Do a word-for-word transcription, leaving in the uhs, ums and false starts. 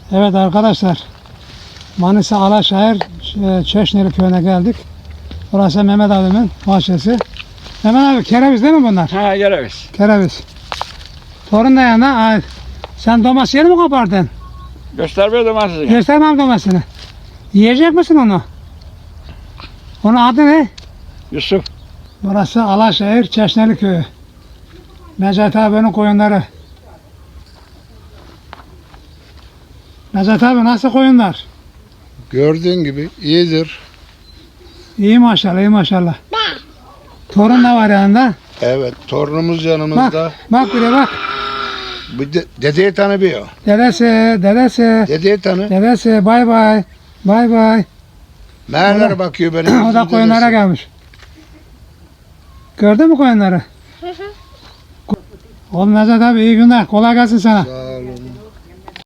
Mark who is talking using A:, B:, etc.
A: Evet arkadaşlar, Manisa Alaşehir e, Çeşneli köyüne geldik. Burası Mehmet abimin bahçesi. Mehmet abi kereviz değil mi bunlar?
B: Ha kereviz.
A: Kereviz. Torun da yanında. Ay, sen domates yeri mi kopardın?
B: Göster bir domatesi.
A: Göstermem domatesini. Yiyecek misin onu? Onun adı ne?
B: Yusuf.
A: Burası Alaşehir Çeşneli köyü. Necati abinin koyunları. Necati abi nasıl koyunlar?
C: Gördüğün gibi iyidir.
A: İyi maşallah, iyi maşallah. Torun da var yanında.
C: Evet, torunumuz
A: Bak,
C: yanımızda.
A: bak bir de bak.
C: Bu de, dedeyi tanımıyor.
A: Dedesi, dedesi,
C: Dedeyi tanı.
A: dedesi, bay bay, bay bay.
C: Meğerlere bakıyor benim.
A: O da koyunlara gelmiş. Gördün mü koyunları? Oğlum Necdet abi iyi günler, kolay gelsin sana.
C: Sağ